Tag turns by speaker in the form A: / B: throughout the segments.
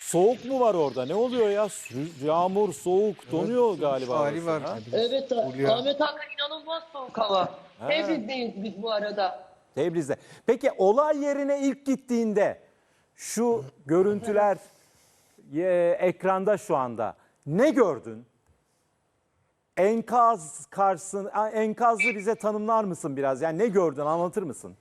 A: Soğuk mu var orada? Ne oluyor ya? Yağmur, soğuk, donuyor galiba.
B: Hali
A: orası,
B: var.
A: ha?
C: Evet,
B: Fulya.
C: Ahmet Hakan inanılmaz soğuk hava. Tebriz'deyiz biz bu arada.
A: Tebriz'de. Peki olay yerine ilk gittiğinde şu görüntüler ekranda şu anda. Ne gördün? Enkazı bize tanımlar mısın biraz? Yani ne gördün, anlatır mısın?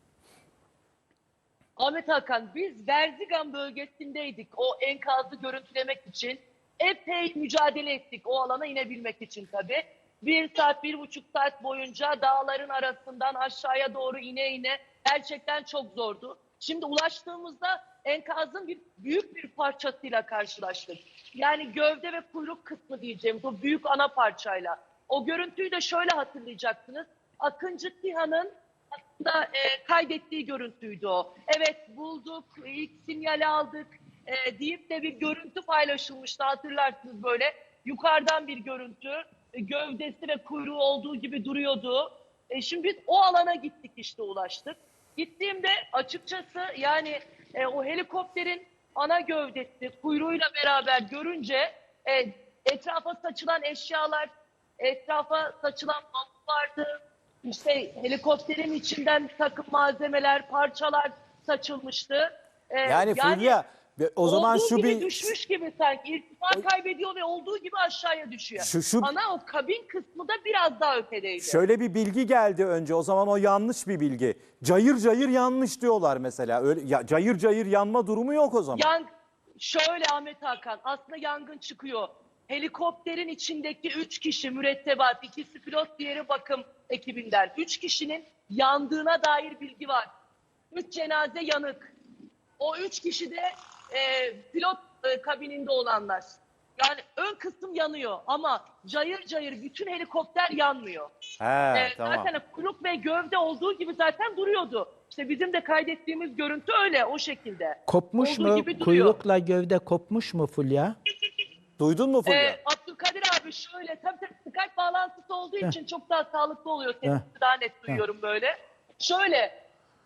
C: Ahmet Hakan, biz Verzigan bölgesindeydik o enkazı görüntülemek için. Epey mücadele ettik o alana inebilmek için tabii. 1 saat, 1,5 saat boyunca dağların arasından aşağıya doğru ine ine gerçekten çok zordu. Şimdi ulaştığımızda enkazın büyük bir parçasıyla karşılaştık. Yani gövde ve kuyruk kısmı diyeceğimiz o büyük ana parçayla. O görüntüyü de şöyle hatırlayacaksınız. Akıncı SİHA'nın aslında kaydettiği görüntüydü o. Evet, bulduk, ilk sinyali aldık deyip de bir görüntü paylaşılmıştı, hatırlarsınız böyle. Yukarıdan bir görüntü, gövdesi ve kuyruğu olduğu gibi duruyordu. Şimdi biz o alana gittik, işte ulaştık. Gittiğimde açıkçası yani o helikopterin ana gövdesi kuyruğuyla beraber görünce etrafa saçılan eşyalar, etrafa saçılan bambu vardı. İşte helikopterin içinden bir takım malzemeler, parçalar saçılmıştı.
A: Yani Fulya, o zaman
C: olduğu
A: şu
C: gibi
A: bir...
C: düşmüş gibi sanki. İrtifa kaybediyor ve olduğu gibi aşağıya düşüyor. Ana o kabin kısmı da biraz daha ötedeydi.
A: Şöyle bir bilgi geldi önce. O zaman o yanlış bir bilgi. Cayır cayır yanmış diyorlar mesela. Öyle, cayır cayır yanma durumu yok o zaman.
C: Şöyle Ahmet Hakan, aslında yangın çıkıyor. Helikopterin içindeki 3 kişi mürettebat, ikisi pilot, diğeri bakım ekibinden. 3 kişinin yandığına dair bilgi var. 3 cenaze yanık. O 3 kişi de pilot kabininde olanlar. Yani ön kısım yanıyor ama cayır cayır bütün helikopter yanmıyor.
A: He, tamam.
C: Zaten kuyruk ve gövde olduğu gibi zaten duruyordu. İşte bizim de kaydettiğimiz görüntü öyle, o şekilde.
D: Kopmuş
C: olduğu
D: mu?
C: gibi duruyor.
D: Kuyrukla gövde kopmuş mu Fulya?
A: Duydun mu Fulya?
C: Abdülkadir abi şöyle, tabii Skype bağlantısı olduğu için çok daha sağlıklı oluyor. Sesini daha net duyuyorum böyle. Şöyle,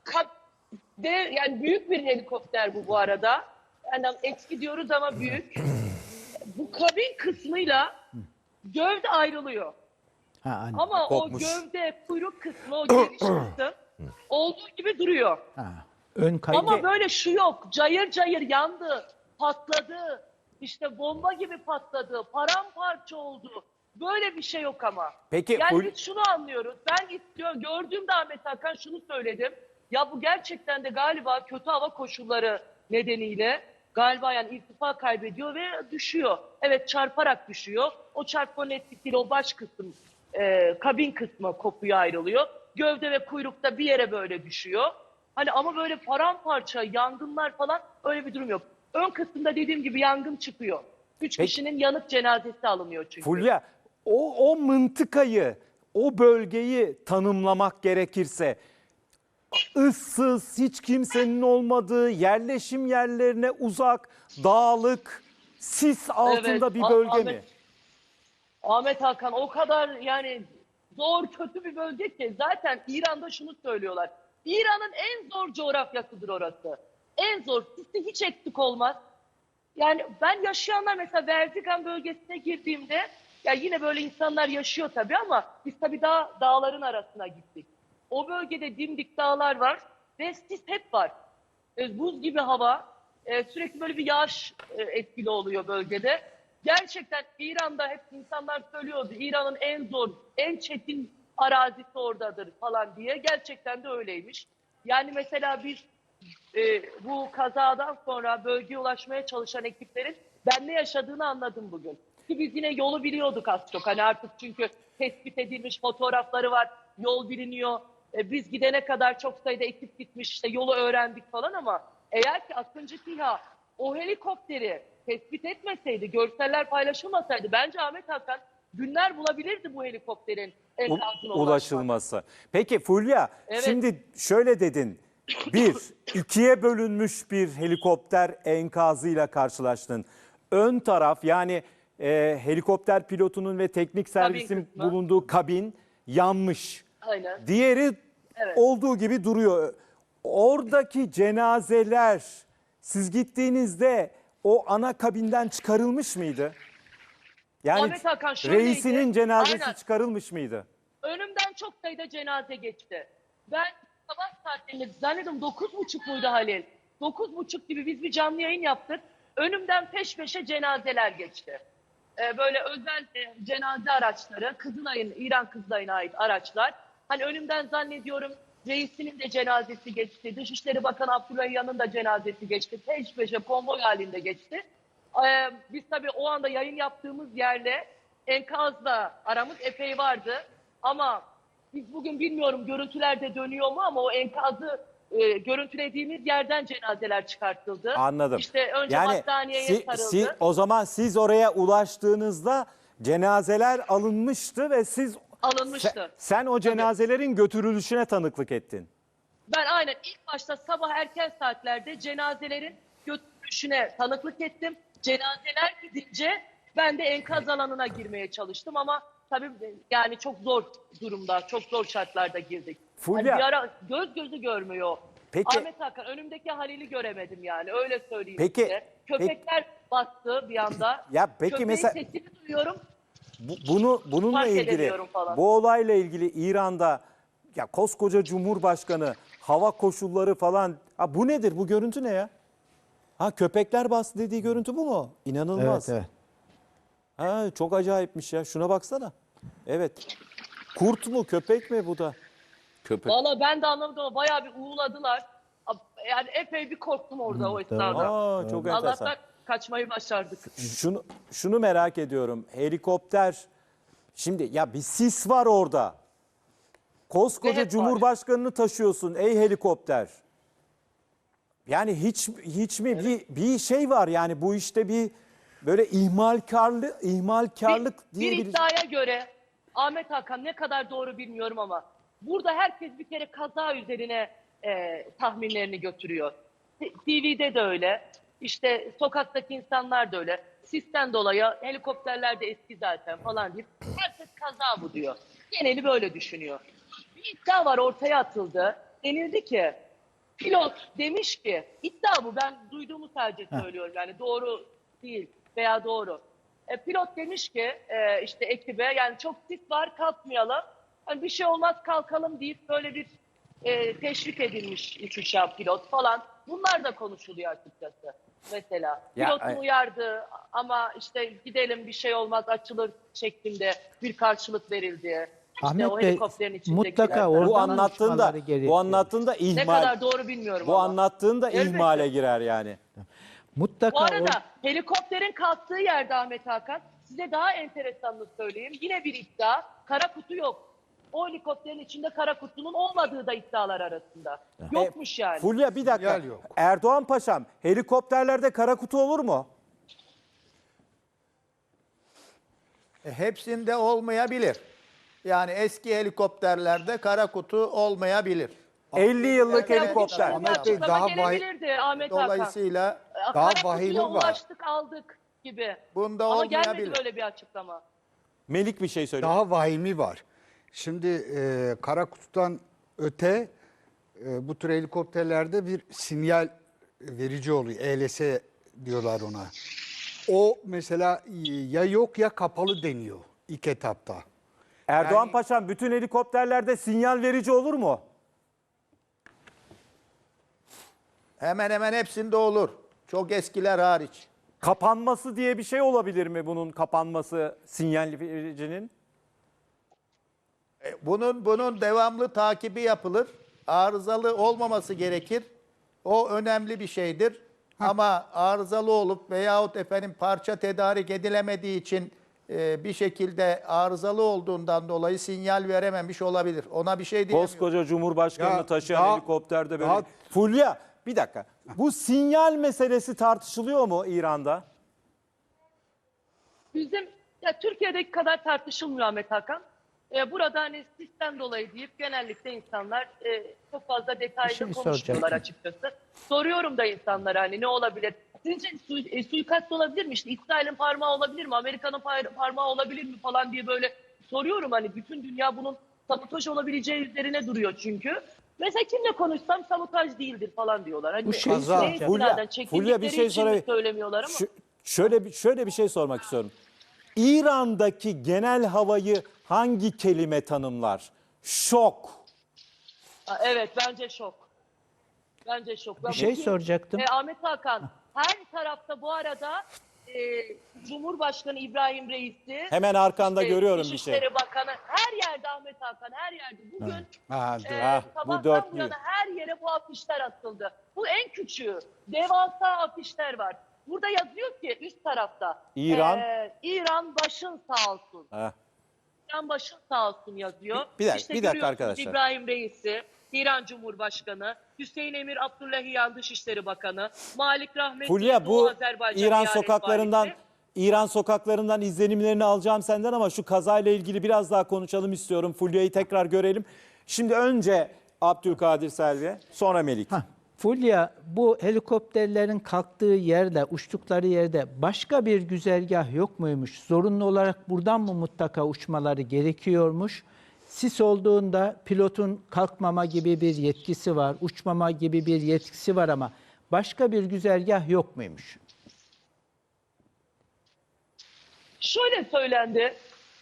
C: yani büyük bir helikopter bu arada. Yani eski diyoruz ama büyük. Bu kabin kısmıyla gövde ayrılıyor. Ama
A: Kopmuş.
C: o gövde, kuyruk kısmı, o geniş kısım olduğu gibi duruyor.
D: Ön kaydı.
C: Ama böyle şu yok, cayır cayır yandı, patladı, işte bomba gibi patladı, paramparça oldu. Böyle bir şey yok ama.
A: Peki,
C: yani biz şunu anlıyoruz. Ben gördüğümde Ahmet Hakan şunu söyledim. Ya bu gerçekten de galiba kötü hava koşulları nedeniyle galiba yani irtifa kaybediyor ve düşüyor. Evet, çarparak düşüyor. O çarpmanın etkisiyle o baş kısım, kabin kısmı kopuyor, ayrılıyor. Gövde ve kuyrukta bir yere böyle düşüyor. Hani ama böyle paramparça, yangınlar falan öyle bir durum yok. Ön kısımda dediğim gibi yangın çıkıyor. 3 kişinin yanık cenazesi alınıyor çünkü.
A: Fulya, o mıntıkayı, o bölgeyi tanımlamak gerekirse ıssız, hiç kimsenin olmadığı, yerleşim yerlerine uzak, dağlık, sis altında bir bölge mi?
C: Ahmet Hakan, o kadar yani zor, kötü bir bölge ki. Zaten İran'da şunu söylüyorlar. İran'ın en zor coğrafyasıdır orası. En zor. Sisi hiç eksik olmaz. Yani ben yaşayanlar, mesela Verzigan bölgesine girdiğimde, ya yine böyle insanlar yaşıyor tabii ama biz tabii dağların arasına gittik. O bölgede dimdik dağlar var ve sis hep var. Buz gibi hava, sürekli böyle bir yağış etkili oluyor bölgede. Gerçekten İran'da hep insanlar söylüyordu, İran'ın en zor, en çetin arazisi oradadır falan diye. Gerçekten de öyleymiş. Yani mesela biz bu kazadan sonra bölgeye ulaşmaya çalışan ekiplerin ben ne yaşadığını anladım bugün. Ki biz yine yolu biliyorduk az çok. Hani artık çünkü tespit edilmiş fotoğrafları var, yol biliniyor. Biz gidene kadar çok sayıda ekip gitmiş, işte yolu öğrendik falan ama eğer ki Akıncı SİHA o helikopteri tespit etmeseydi, görseller paylaşılmasaydı bence Ahmet Hakan günler bulabilirdi bu helikopterin enkazına
A: Ulaşılması. Peki Fulya,
C: Evet.
A: şimdi şöyle dedin. İkiye bölünmüş bir helikopter enkazıyla karşılaştın. Ön taraf, yani helikopter pilotunun ve teknik servisin
C: kısmı
A: bulunduğu kabin yanmış.
C: Aynen.
A: Diğeri olduğu gibi duruyor. Oradaki cenazeler, siz gittiğinizde o ana kabinden çıkarılmış mıydı? Yani
C: Ahmet Hakan şöyleydi.
A: reisinin cenazesi
C: Aynen.
A: çıkarılmış mıydı?
C: Önümden çok sayıda cenaze geçti. Ben sabah saatlerinde zannediyorum 9.30 muydu Halil? 9.30 gibi biz bir canlı yayın yaptık. Önümden peş peşe cenazeler geçti. Böyle özel cenaze araçları, Kızılay'ın, İran Kızılay'ına ait araçlar. Hani önümden zannediyorum reisinin de cenazesi geçti. Dışişleri Bakanı Abdullah Yan'ın da cenazesi geçti. Peş peşe konvoy halinde geçti. Biz tabii o anda yayın yaptığımız yerle enkazla aramız epey vardı. Ama biz bugün bilmiyorum görüntülerde dönüyor mu ama o enkazı görüntülediğimiz yerden cenazeler çıkartıldı.
A: Anladım.
C: İşte önce
A: Yani
C: hastaneye sarıldı.
A: o zaman siz oraya ulaştığınızda cenazeler alınmıştı ve siz
C: Alınmıştı.
A: sen o cenazelerin götürülüşüne tanıklık ettin.
C: Ben aynen ilk başta sabah erken saatlerde cenazelerin götürülüşüne tanıklık ettim. Cenazeler gidince ben de enkaz alanına girmeye çalıştım ama tabii yani çok zor durumda, çok zor şartlarda girdik.
A: Fulya.
C: Hani bir ara göz gözü görmüyor.
A: Peki.
C: Ahmet Hakan önümdeki Halil'i göremedim yani öyle söyleyeyim
A: Peki,
C: size. Köpekler bastı bir anda.
A: Ya peki
C: Köpeğin
A: mesela-
C: sesini duyuyorum.
A: Bununla
C: Fark
A: ilgili,
C: edemiyorum falan.
A: bu olayla ilgili İran'da ya koskoca Cumhurbaşkanı, hava koşulları falan, ha bu nedir? Bu görüntü ne ya? Ha köpekler bastı dediği görüntü bu mu? İnanılmaz.
D: Evet, evet.
A: Ha çok acayipmiş ya. Şuna baksana. Evet. Kurt mu, köpek mi bu da? Köpek.
C: Valla ben de anlamadım ama bayağı bir uğuladılar. Yani epey bir korktum orada o esnada.
A: Aa çok enteresan.
C: Allah'tan kaçmayı başardık.
A: Şunu merak ediyorum. Helikopter, şimdi ya bir sis var orada.
C: Ve
A: Koskoca
C: hep var.
A: Cumhurbaşkanını taşıyorsun ey helikopter. Yani hiç mi bir şey var yani bu işte bir böyle ihmalkarlık
C: Bir
A: diyebiliriz.
C: iddiaya göre Ahmet Hakan ne kadar doğru bilmiyorum ama burada herkes bir kere kaza üzerine tahminlerini götürüyor. TV'de de öyle. İşte sokaktaki insanlar da öyle. Sisten dolayı helikopterler de eski zaten falan deyip herkes kaza bu diyor. Geneli böyle düşünüyor. Bir iddia var ortaya atıldı. Denildi ki pilot demiş ki iddia bu ben duyduğumu sadece söylüyorum yani doğru değil veya doğru. Pilot demiş ki işte ekibe yani çok sis var kalkmayalım. Hani bir şey olmaz kalkalım deyip böyle bir teşvik edilmiş uçuşa pilot falan. Bunlar da konuşuluyor açıkçası. Mesela
A: Ya,
C: pilot uyardı ama işte gidelim bir şey olmaz açılır şeklinde bir karşılık verildi. İşte
D: Ahmet
C: o
D: Bey,
C: helikopterin içindekiler.
D: mutlaka orada
A: Bu
D: Oradan
A: anlattığında
D: uçmaları gerekiyor.
C: Ne
A: ihmal.
C: kadar doğru bilmiyorum
A: Bu
C: ama.
A: anlattığında
C: Elbette.
A: ihmale girer yani.
D: Mutlaka
C: Bu arada helikopterin kalktığı yerde Ahmet Hakan size daha enteresanını söyleyeyim. Yine bir iddia. Kara kutu yok. O helikopterin içinde kara kutunun olmadığı da iddialar arasında. Yokmuş yani.
A: Fulya bir dakika.
B: Sinyal yok.
A: Erdoğan Paşam helikopterlerde kara kutu olur mu?
B: Hepsinde olmayabilir. Yani eski helikopterlerde kara kutu olmayabilir.
A: 50 yıllık
C: Biraz
A: helikopter.
C: bir
E: Ahmet Bey,
C: açıklama
E: daha
C: gelebilirdi Ahmet Hakan.
B: Dolayısıyla
E: daha
C: Kara kutuya
E: vahimi var.
C: ulaştık aldık gibi.
B: Bunda
C: Ama
B: olmayabilir.
C: gelmedi böyle bir açıklama.
A: Melik bir şey söylüyor.
E: Daha vahimi var. Şimdi kara kutudan öte bu tür helikopterlerde bir sinyal verici oluyor. ELS diyorlar ona. O mesela ya yok ya kapalı deniyor ilk etapta.
A: Erdoğan
E: yani-
A: Paşam bütün helikopterlerde sinyal verici olur mu?
B: Hemen hemen hepsinde olur. Çok eskiler hariç.
A: Kapanması diye bir şey olabilir mi bunun kapanması sinyal vericinin?
B: Bunun devamlı takibi yapılır. Arızalı olmaması gerekir. O önemli bir şeydir. Ama arızalı olup veyahut efendim parça tedarik edilemediği için bir şekilde arızalı olduğundan dolayı sinyal verememiş olabilir. Ona bir şey diyemiyorum.
A: Koskoca Cumhurbaşkanını
E: Ya
A: taşıyan
E: daha-
A: helikopterde böyle.
E: daha-
A: Fulya bir dakika. Bu sinyal meselesi tartışılıyor mu İran'da?
C: Bizim ya Türkiye'deki kadar tartışılmıyor Ahmet Hakan. Burada hani sistem dolayı deyip genellikle insanlar çok fazla detaylı
D: şey
C: konuşmuyorlar
D: soracaktım.
C: açıkçası. Soruyorum da insanlara hani ne olabilir? Sizce suikast olabilir mi? İşte İsrail'in parmağı olabilir mi? Amerika'nın parmağı olabilir mi falan diye böyle soruyorum. Hani bütün dünya bunun sabotaj olabileceği üzerine duruyor çünkü. Mesela kimle konuşsam sabotaj değildir falan diyorlar. Hani
D: Bu şey
C: neyse,
D: soracağım.
C: nereden
A: Fulya bir
C: çekildikleri
A: şey
C: için mi
A: sorayım.
C: söylemiyorlar ama.
A: Şöyle bir şey sormak istiyorum. İran'daki genel havayı hangi kelime tanımlar? Şok.
C: Evet, bence şok. Bence şok.
D: Bir şey soracaktım.
C: Ahmet Hakan, her tarafta bu arada Cumhurbaşkanı İbrahim Reis'i,
A: Hemen arkanda görüyorum bir şey.
C: Dışişleri Bakanı, her yerde Ahmet Hakan, her yerde. Bugün
A: bu
C: sabahtan
A: dörtlü.
C: bu yana her yere bu afişler atıldı. Bu en küçüğü. Devasa afişler var. Burada yazıyor ki üst tarafta.
A: İran.
C: İran başın sağ olsun.
A: Heh.
C: İran başın sağ olsun yazıyor.
A: Bir dakika
C: görüyorsunuz
A: arkadaşlar.
C: İbrahim Reis'i, İran Cumhurbaşkanı, Hüseyin Emir Abdullahiyan Dışişleri Bakanı, Malik Rahmetli
A: Fulya,
C: Doğu
A: bu
C: Azerbaycan
A: İran
C: Eyalet
A: sokaklarından
C: Valisi.
A: İran sokaklarından izlenimlerini alacağım senden ama şu kazayla ilgili biraz daha konuşalım istiyorum. Fulya'yı tekrar görelim. Şimdi önce Abdülkadir Selvi, sonra Melik.
D: Fulya, bu helikopterlerin kalktığı yerde, uçtukları yerde başka bir güzergah yok muymuş? Zorunlu olarak buradan mı mutlaka uçmaları gerekiyormuş? Sis olduğunda pilotun kalkmama gibi bir yetkisi var, uçmama gibi bir yetkisi var ama başka bir güzergah yok muymuş?
C: Şöyle söylendi.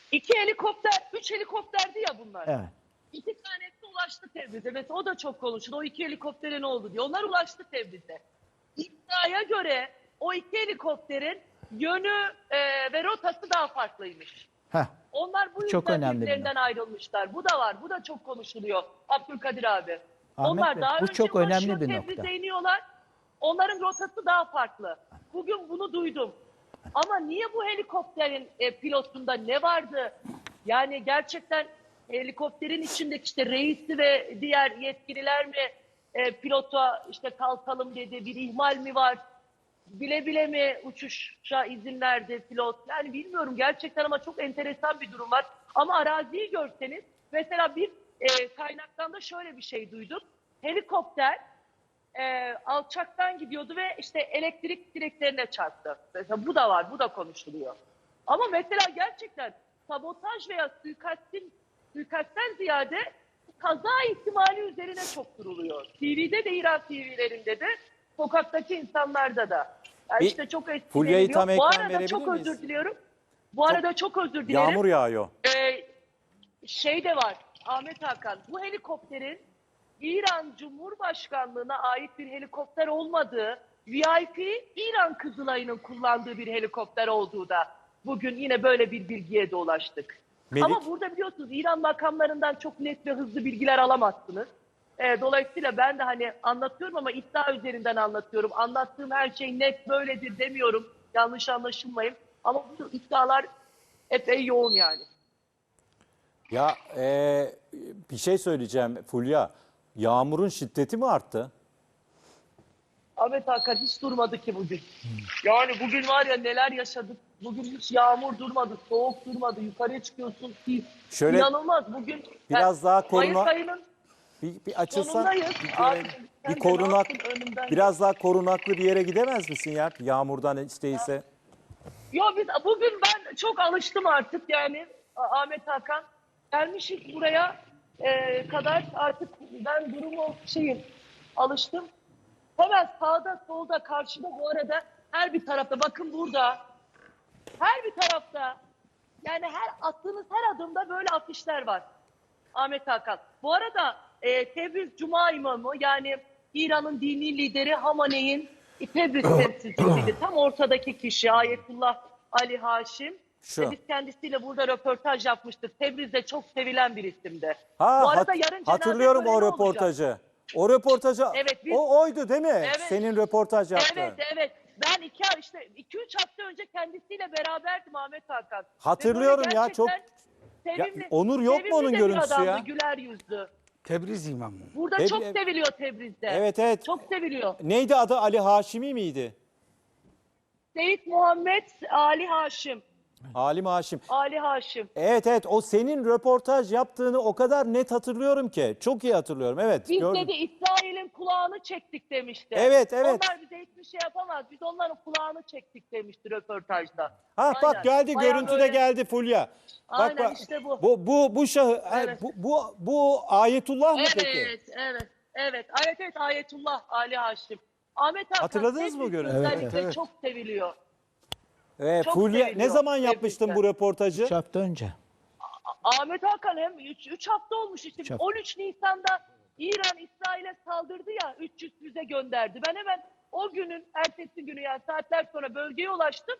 C: 3 helikopterdi ya bunlar.
D: Evet.
C: 2 tanesi ulaştı Tebriz'e. Mesela o da çok konuşuldu. O 2 helikoptere ne oldu diye. Onlar ulaştı Tebriz'e. İddiaya göre o 2 helikopterin yönü ve rotası daha farklıymış.
D: Heh.
C: Onlar bu
D: Çok
C: yüzden
D: önemli bir
C: birbirlerinden ayrılmışlar. Bu da var. Bu da çok konuşuluyor. Abdülkadir abi.
D: Ahmet
C: Onlar
D: Bey,
C: daha
D: bu
C: önce
D: çok önemli
C: ulaşıyor,
D: bir
C: Tebriz'e
D: nokta.
C: iniyorlar. Onların rotası daha farklı. Bugün bunu duydum. Ama niye bu helikopterin pilotunda ne vardı? Yani gerçekten helikopterin içindeki işte reisi ve diğer yetkililer mi pilota işte kalkalım dedi, bir ihmal mi var? Bile bile mi uçuşa izin verdi pilot? Yani bilmiyorum gerçekten ama çok enteresan bir durum var. Ama araziyi görseniz mesela bir kaynaktan da şöyle bir şey duydum. Helikopter alçaktan gidiyordu ve işte elektrik direklerine çarptı. Mesela bu da var, bu da konuşuluyor. Ama mesela gerçekten sabotaj veya suikastten ziyade kaza ihtimali üzerine çok duruluyor. TV'de de, İran TV'lerinde de, sokaktaki insanlarda da. Yani
A: Bir
C: işte çok
A: Fulya'yı
C: etkileniyor.
A: tam
C: Bu
A: ekran
C: arada
A: verebilir
C: çok
A: miyiz?
C: özür diliyorum. Bu arada çok özür dilerim.
A: Yağmur yağıyor.
C: Şey de var Ahmet Hakan, bu helikopterin İran Cumhurbaşkanlığına ait bir helikopter olmadığı, VIP İran Kızılay'ın kullandığı bir helikopter olduğu da bugün yine böyle bir bilgiye de ulaştık.
A: Melik?
C: Ama burada biliyorsunuz İran makamlarından çok net ve hızlı bilgiler alamazsınız. Dolayısıyla ben de hani anlatıyorum ama iddia üzerinden anlatıyorum. Anlattığım her şey net böyledir demiyorum. Yanlış anlaşılmayın. Ama bu iddialar epey yoğun yani.
A: Ya bir şey söyleyeceğim Fulya. Yağmurun şiddeti mi arttı?
C: Ahmet Hakan hiç durmadı ki bugün. Yani bugün var ya neler yaşadık. Bugün hiç yağmur durmadı, soğuk durmadı. Yukarıya çıkıyorsun ki
A: Şöyle
C: inanılmaz. Bugün
A: biraz daha
C: Mayıs
A: koruna-
C: ayının
A: Bir açılsan
C: sonundayız.
A: bir
C: Abi,
A: görelim.
C: sen
A: Bir
C: de ne
A: korunak,
C: yaptın önümden?
A: biraz daha korunaklı bir yere gidemez misin ya? Yağmurdan hiç değilse.
C: Yo biz bugün ben çok alıştım artık yani Ahmet Hakan. Gelmişiz buraya kadar artık ben durumu alıştım. Hemen sağda solda karşıda bu arada her bir tarafta bakın burada her bir tarafta yani her attığınız her adımda böyle afişler var Ahmet Hakan. Bu arada Tebriz Cuma imamı yani İran'ın dini lideri Hamaney'in Tebriz temsilcisiydi. Tam ortadaki kişi Ayetullah Ali Haşim.
A: Şu.
C: Biz kendisiyle burada röportaj yapmıştık. Tebriz'de çok sevilen bir isimdi.
A: Ha,
C: Bu arada yarın cenaze
A: hatırlıyorum o
C: töreni olacak.
A: röportajı. O röportajı
C: Evet,
A: oydu değil mi?
C: Evet.
A: Senin röportaj yaptı.
C: Evet. Ben 2-3 hafta önce kendisiyle beraberdim Ahmet Hakan.
A: Hatırlıyorum
C: Ve böyle
A: ya, çok-
C: gerçekten
A: Ya, Onur yok mu
C: sevimli
A: onun
C: de bir
A: görüntüsü
C: adamdı,
A: ya?
C: güler yüzlü.
E: Tebriz imamı.
C: Burada
A: Tebri-
C: çok seviliyor Tebriz'de.
A: Evet.
C: Çok seviliyor.
A: Neydi adı? Ali Haşimi miydi?
C: Seyit Muhammed Ali Haşim.
A: Alim Haşim.
C: Ali Haşim.
A: Evet evet, o senin röportaj yaptığını o kadar net hatırlıyorum ki. Çok iyi hatırlıyorum, evet.
C: Biz
A: gördüm.
C: dedi İsrail'in kulağını çektik demişti.
A: Evet, evet.
C: Onlar bize hiçbir şey yapamaz. Biz onların kulağını çektik demişti röportajda.
A: Ha
C: Aynen.
A: bak geldi,
C: Bayağı
A: görüntü de
C: böyle-
A: geldi Fulya.
C: Aynen,
A: bak,
C: işte bu.
A: Bu şahı,
C: Evet.
A: bu Ayetullah mı peki?
C: Evet, Ayetullah Ali Haşim. Ahmet Hakan
A: Hatırladınız mı
C: Tebrik
A: görüntüyü?
C: özellikle
E: Evet.
C: çok seviliyor.
A: Evet,
C: Çok
A: Fulya, ne
C: seviliyor.
A: zaman yapmıştın bu
C: Tebrikler.
A: röportajı?
D: 3 hafta önce.
C: Ahmet Hakan hem 3 hafta olmuş işte.
D: Üç hafta.
C: 13 Nisan'da İran İsrail'e saldırdı ya, 300 füze gönderdi. Ben hemen o günün ertesi günü, yani saatler sonra bölgeye ulaştım.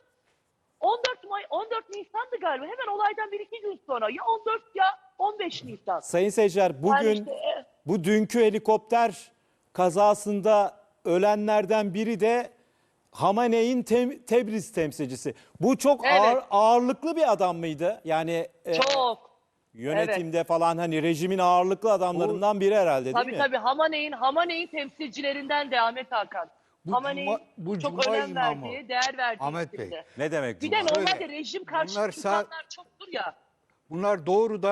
C: 14 Nisan'dı galiba. Hemen olaydan 1-2 gün sonra. Ya 14 ya 15 Nisan.
A: Sayın seyirciler, bugün
C: Yani işte,
A: bu dünkü helikopter kazasında ölenlerden biri de Hamane'in Tebriz temsilcisi. Bu çok
C: Evet.
A: ağırlıklı bir adam mıydı? Yani
C: çok.
A: yönetimde falan, hani rejimin ağırlıklı adamlarından biri herhalde, değil
C: Tabii
A: mi?
C: tabii, Hamane'in temsilcilerinden de Ahmet Hakan.
E: Bu
C: Hamane'in
E: bu
C: çok
E: Cuma
C: önem
E: imamı.
C: verdiği, değer verdiği
E: Ahmet Bey.
C: isimdi.
A: Ne demek
C: Bir de
A: Cuma?
C: normalde
E: Öyle.
C: rejim karşıtı
E: Bunlar
C: insanlar çoktur ya.
E: Bunlar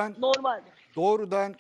E: doğrudan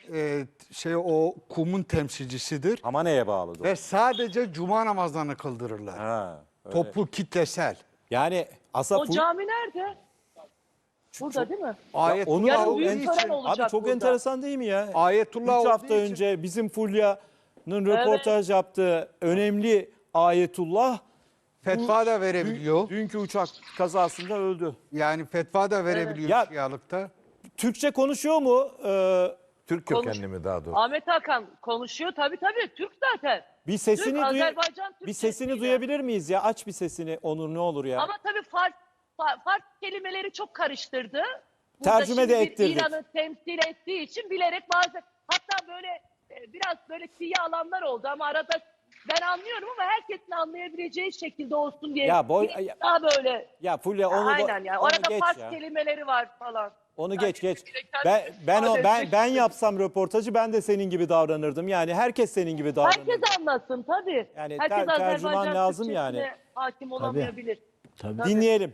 E: o kumun temsilcisidir
A: Hamane'ye bağlı.
E: ve sadece cuma namazlarını kıldırırlar.
A: Ha, öyle.
E: Toplu kitlesel.
A: Yani aslında
C: O cami nerede? Burada değil mi?
E: Ayetullah
C: Yarın
E: olduğu
C: büyük tören
E: için
C: olacak
A: Abi çok
C: burada.
A: enteresan değil mi ya?
E: Ayetullah
A: 3 hafta
E: olduğu için
A: önce bizim Fulya'nın röportaj yaptığı önemli Ayetullah
E: fetva da verebiliyor.
A: dünkü uçak kazasında öldü.
E: Yani fetva da verebiliyor
A: Ya-
E: Şialıkta.
A: Türkçe konuşuyor mu?
F: Türk kökenli mi daha doğrusu?
C: Ahmet Hakan konuşuyor tabii, Türk zaten.
A: Bir sesini
C: Türk, Azerbaycan
A: bir sesini
C: Türkçesiyle.
A: duyabilir miyiz ya? Aç bir sesini Onur, ne olur ya.
C: Ama tabii Fars kelimeleri çok karıştırdı.
A: Tercüme de
C: şimdi bir
A: ettirdik.
C: İran'ı temsil ettiği için bilerek bazen, hatta böyle biraz böyle tiye alanlar oldu ama arada ben anlıyorum ama herkesin anlayabileceği şekilde olsun diye.
A: Ya
C: daha böyle.
A: Ya Fulya onu
C: Aynen yani.
A: onu
C: Orada
A: geç
C: Fars
A: ya.
C: kelimeleri var falan.
A: Onu
C: Yani
A: geç.
C: kendini ifade etmek
A: Ben
C: için.
A: yapsam röportajı ben de senin gibi davranırdım. Yani herkes senin gibi davranır.
C: Herkes anlasın tabii.
A: Yani
C: Herkes
A: tercüman
C: Azerbaycan
A: lazım
C: Türkçesine
A: yani.
C: hakim olamayabilir.
D: Tabii.
A: Dinleyelim.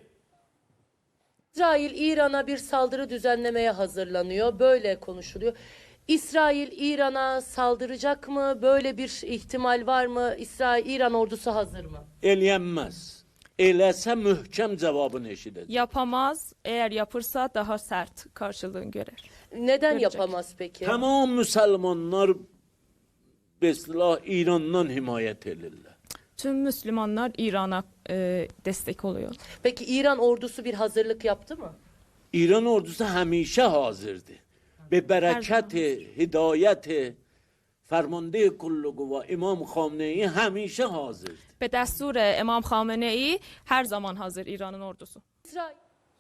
G: İsrail İran'a bir saldırı düzenlemeye hazırlanıyor. Böyle konuşuluyor. İsrail İran'a saldıracak mı? Böyle bir ihtimal var mı? İran ordusu hazır mı?
H: Eləyənməz. Eləsə möhkəm cavabını eşidəcək.
I: Yapamaz. Eğer yapırsa daha sert karşılığını görer.
G: Neden
I: Görecek.
G: yapamaz peki?
H: Tamam müsəlmanlar beslah İrandan himayət edirlər.
I: Tüm Müslümanlar İran'a destek oluyor.
G: Peki İran ordusu bir hazırlık yaptı mı?
H: İran ordusu həmişə hazırdır. Be bərəkət, hidayət, fərmande kulluğu ve İmam Xamenei həmişə hazırdır.
I: Ve destur İmam Khamenei her zaman hazır İran'ın ordusu.
G: İsrail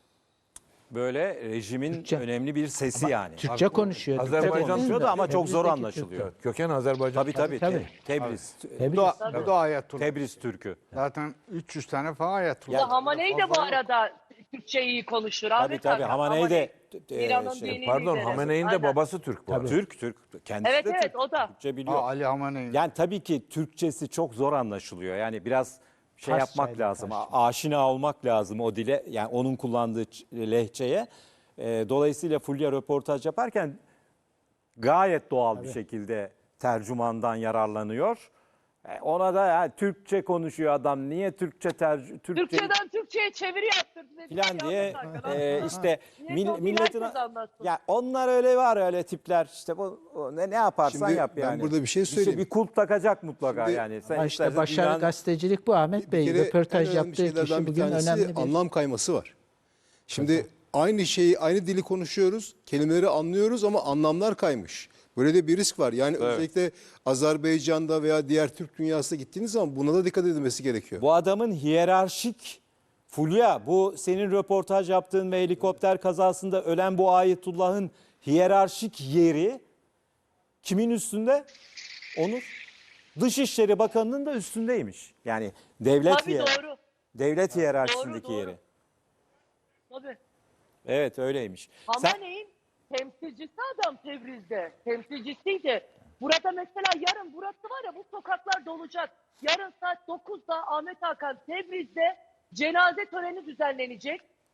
A: Böyle rejimin
D: Türkçe.
A: önemli bir sesi yani.
D: Türkçe konuşuyor. Türkçe
F: Azerbaycan
A: konuşuyor da ama çok zor
D: Tebrizdeki
A: anlaşılıyor.
F: Evet, köken Azerbaycan.
A: Tabii.
D: Tabii.
A: Tebriz.
D: Tebriz.
E: Bu da ayetullah.
A: Tebriz Türk'ü.
E: Zaten 300 tane falan ayetullah.
C: Ya Hamaney de bu
E: Fazla yok.
C: arada Türkçe iyi konuşur.
A: Tabii
C: Ahmet
A: tabii.
C: Hakan.
A: Hamaney de
C: İran'ın dini
F: Pardon,
C: lideri.
F: Hamene'in de
C: Aynen.
F: babası Türk bu arada.
A: Türk. Kendisi
C: Evet,
A: de
C: evet,
A: Türk.
C: o da.
A: Türkçe biliyor.
E: Ali Hamene'nin.
A: Yani tabii ki Türkçesi çok zor anlaşılıyor. Yani biraz şey
D: Farsçayla
A: yapmak lazım.
D: karşı.
A: Aşina olmak lazım o dile. Yani onun kullandığı lehçeye. Dolayısıyla Fulya röportaj yaparken gayet doğal bir şekilde tercümandan yararlanıyor. Ona da ya, Türkçe konuşuyor adam. Niye Türkçe
C: Türkçeden Türkçe'ye çeviri yaptırdı. dedi.
A: falan diye
C: Ahmet Hakan.
A: işte
C: Niye o
A: milletin
C: herkes anlatsın?
A: ya onlar öyle var, öyle tipler işte ne yaparsan
J: Şimdi
A: yap
J: ben
A: yani.
J: burada bir şey söyleyeyim.
A: Bir kulp takacak mutlaka
J: Şimdi-
A: yani. Sen
D: Ama işte
A: istersen
D: başarı
A: dünyanın-
D: gazetecilik bu Ahmet Bey.
J: Bir kere en
D: Röportaj
J: önemli
D: yaptığı
J: şeylerden
D: kişi
J: bir
D: bugün
J: tanesi
D: önemli bir...
J: anlam kayması var. Şimdi aynı şeyi, aynı dili konuşuyoruz, kelimeleri anlıyoruz ama anlamlar kaymış. Böyle de bir risk var. Yani özellikle Azerbaycan'da veya diğer Türk dünyasına gittiğiniz zaman buna da dikkat edilmesi gerekiyor.
A: Bu adamın hiyerarşik, Fulya, bu senin röportaj yaptığın ve helikopter kazasında ölen bu Ayetullah'ın hiyerarşik yeri kimin üstünde? Onur. Dışişleri Bakanı'nın da üstündeymiş. Yani devlet
C: Tabii doğru.
A: devlet hiyerarşisindeki
C: Doğru.
A: yeri.
C: Tabii.
A: Evet öyleymiş. Sen,
C: Hamaney'in temsilcisi adam Tebriz'de. Temsilcisiydi. Burada mesela yarın burası var ya, bu sokaklar dolacak. Yarın saat 9'da Ahmet Hakan Tebriz'de cenaze töreni düzenlenecek.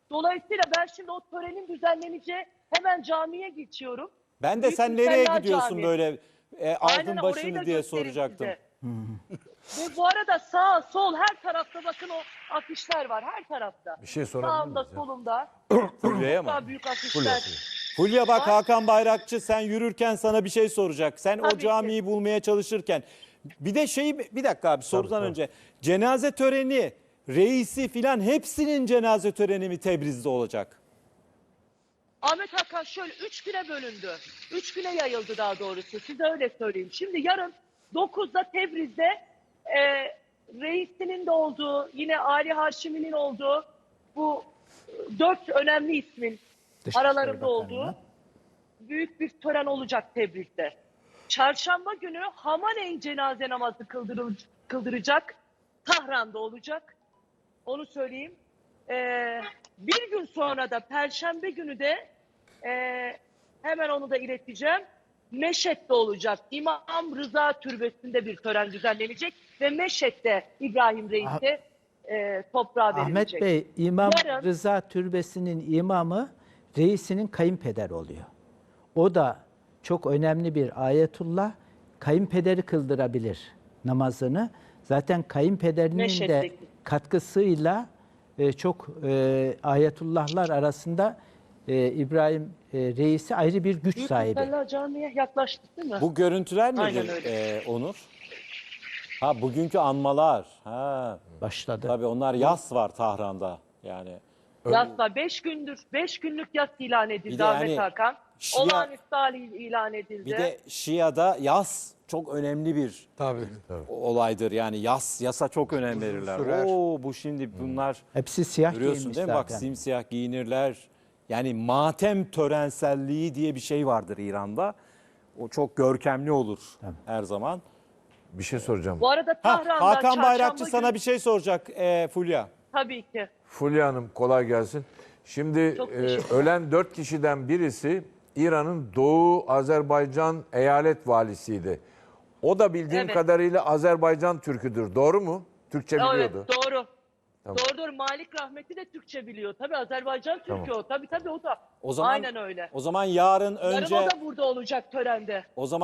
C: Dolayısıyla ben şimdi o törenin düzenleneceği hemen camiye geçiyorum.
A: Ben de
C: Büyük
A: sen nereye
C: Müsella
A: gidiyorsun
C: Camii.
A: böyle
C: Aynen,
A: aldın
C: orayı da
A: başını diye
C: göstereyim
A: soracaktım.
C: size. Ve bu arada sağ sol her tarafta bakın o afişler var her tarafta.
F: Bir şey sorabilir
C: Sağımda
F: miyiz ya?
C: solumda.
A: Fulya'ya mı?
C: Daha büyük afişler.
A: Fulya bak, Hakan Bayrakçı sen yürürken sana bir şey soracak. Sen o
C: Tabii ki.
A: camiyi bulmaya çalışırken. Bir de bir dakika abi, sorudan önce. Cenaze töreni, reisi filan hepsinin cenaze töreni mi Tebriz'de olacak?
C: Ahmet Hakan şöyle 3 güne bölündü. 3 güne yayıldı daha doğrusu. Size öyle söyleyeyim. Şimdi yarın 9'da Tebriz'de reisinin de olduğu, yine Ali Haşimi'nin olduğu bu 4 önemli ismin
D: Dışişleri
C: aralarında
D: Bakanlığı.
C: olduğu büyük bir tören olacak Tebriz'de. Çarşamba günü Hamane'in cenaze namazı kıldıracak. Tahran'da olacak. Onu söyleyeyim. Bir gün sonra da Perşembe günü de hemen onu da ileteceğim. Meşet'te olacak. İmam Rıza Türbesi'nde bir tören düzenlenecek ve Meşet'te İbrahim Reis'e toprağa verilecek.
D: Ahmet Bey, İmam
C: Yarın-
D: Rıza Türbesi'nin imamı reisinin kayınpeder oluyor. O da çok önemli bir ayetullah. Kayınpederi kıldırabilir namazını. Zaten kayınpederinin de
C: Meşet'teki.
D: katkısıyla çok ayetullahlar arasında İbrahim reisi ayrı bir güç
C: Büyük
D: sahibi.
C: Müsella Camii'ye yaklaştık değil mi?
A: Bu görüntüler
C: Aynen
A: nedir
C: öyle.
A: Onur? Ha, bugünkü anmalar. Ha.
D: Başladı.
A: Tabii onlar yas var Tahran'da. Yani
C: Yasla 5 gündür, 5 günlük yas ilan edildi
A: Bir de
C: Ahmet
A: yani
C: Hakan.
A: Şia-
C: Olağanüstü hal ilan edildi.
A: bir de Şia'da yas çok önemli bir
E: Tabii.
A: olaydır. Yani yasa çok önem verirler.
E: sürer.
A: Bu şimdi bunlar
D: Hepsi siyah
A: görüyorsun
D: giyinmiş
A: değil mi? Bak,
D: zaten.
A: simsiyah giyinirler. Yani matem törenselliği diye bir şey vardır İran'da. O çok görkemli olur her zaman.
F: Bir şey soracağım.
C: Bu arada Tahran'da
A: Hakan
C: çarşamba
A: Bayrakçı
C: günü-
A: sana bir şey soracak Fulya.
C: Tabii ki.
F: Fulya Hanım kolay gelsin. Şimdi
C: Çok teşekkür
F: ölen 4 kişiden birisi İran'ın Doğu Azerbaycan eyalet valisiydi. O da bildiğim
C: Evet.
F: kadarıyla Azerbaycan Türküdür. Doğru mu? Türkçe
C: Evet,
F: biliyordu.
C: doğru.
F: Tamam.
C: Doğru. Malik Rahmetli de Türkçe biliyor. Tabii Azerbaycan Türkü
F: Tamam.
C: o. Tabii o da.
A: O zaman
C: Aynen öyle.
A: O zaman yarın
C: Yarın
A: önce
C: o da burada olacak törende.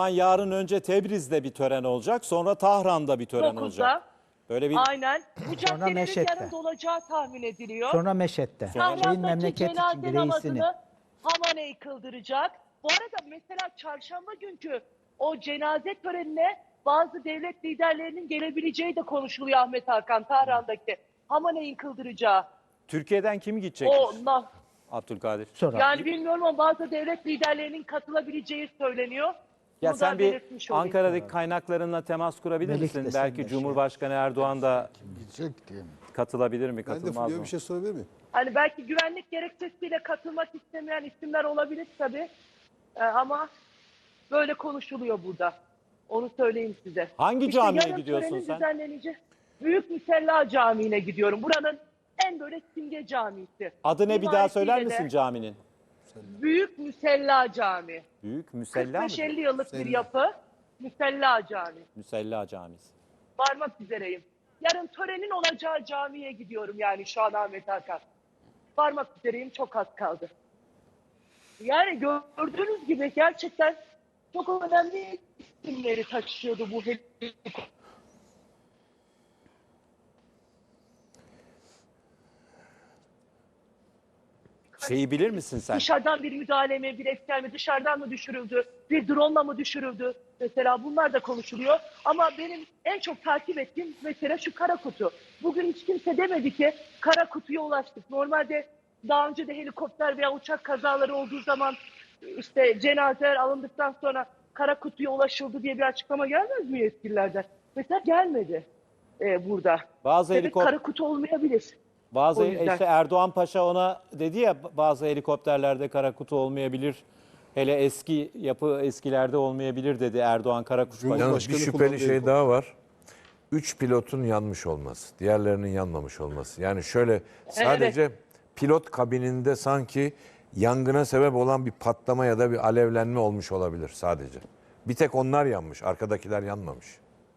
A: Tebriz'de bir tören olacak. Sonra Tahran'da bir tören
C: 9'da.
A: olacak. Böyle bir
C: Aynen. Bu caddelerin
D: Meşet'te.
C: yarın dolacağı tahmin ediliyor.
D: Sonra Meşet'te. Şeyin
C: Tahran'daki
D: memleket için
C: cenaze
D: reisini.
C: namazını Hamane'yi kıldıracak. Bu arada mesela çarşamba günkü o cenaze törenine bazı devlet liderlerinin gelebileceği de konuşuluyor Ahmet Hakan. Tahran'daki Hamane'yi kıldıracağı.
A: Türkiye'den kim gidecek?
C: O
A: Abdülkadir.
D: Sonra
C: yani bilmiyorum ama bazı devlet liderlerinin katılabileceği söyleniyor.
A: Ya
C: Bunu
A: sen
C: da
A: bir
C: belirtmiş olayım.
A: Ankara'daki kaynaklarınla temas kurabilir
D: Melik
A: misin?
D: de sen
A: Belki
D: de
A: Cumhurbaşkanı Erdoğan da
E: Gidecek diye mi?
A: katılabilir mi,
J: Ben de
A: katılmaz
J: Fulya'ya
A: mı?
J: bir şey sorabilir miyim?
C: Hani belki güvenlik gerekçesiyle katılmak istemeyen isimler olabilir tabii. Ama böyle konuşuluyor burada. Onu söyleyeyim size.
A: Hangi camiye
C: yarın
A: gidiyorsun
C: törenin
A: sen?
C: düzenleneceği Büyük Müsella Camii'ne gidiyorum. Buranın en böyle simge camisi.
A: Adı ne, bir daha söyler
C: Mimarisiyle de
A: misin caminin?
C: Büyük Müsella Camii.
A: Büyük Müsella mı?
C: 45-50 yıllık bir yapı. Müsella Camii.
A: Müsella Camisi.
C: Varmak üzereyim. Yarın törenin olacağı camiye gidiyorum yani şu an Ahmet Hakan. Varmak üzereyim, çok az kaldı. Yani gördüğünüz gibi gerçekten çok önemli isimleri taşıyordu bu helikopter.
A: Şeyi bilir misin sen?
C: Dışarıdan bir müdahale mi, bir etken mi, dışarıdan mı düşürüldü, bir drone'la mı düşürüldü? Mesela bunlar da konuşuluyor. Ama benim en çok takip ettiğim mesele şu kara kutu. Bugün hiç kimse demedi ki kara kutuya ulaştık. Normalde daha önce de helikopter veya uçak kazaları olduğu zaman işte cenazeler alındıktan sonra kara kutuya ulaşıldı diye bir açıklama gelmez mi yetkililerden? Mesela gelmedi burada.
A: Bazı
C: Evet,
A: helikopter
C: kara kutu olmayabilir.
A: Bazı
C: O yüzden.
A: işte Erdoğan Paşa ona dedi ya, bazı helikopterlerde kara kutu olmayabilir. Hele eskilerde olmayabilir dedi Erdoğan Karakuş Paşa.
F: Yalnız bir
J: Cumhurbaşkanı
F: şüpheli
J: kullandığı
F: şey
J: helikopter.
F: daha var. 3 pilotun yanmış olması, diğerlerinin yanmamış olması. Yani şöyle sadece pilot kabininde sanki yangına sebep olan bir patlama ya da bir alevlenme olmuş olabilir sadece. Bir tek onlar yanmış, arkadakiler yanmamış.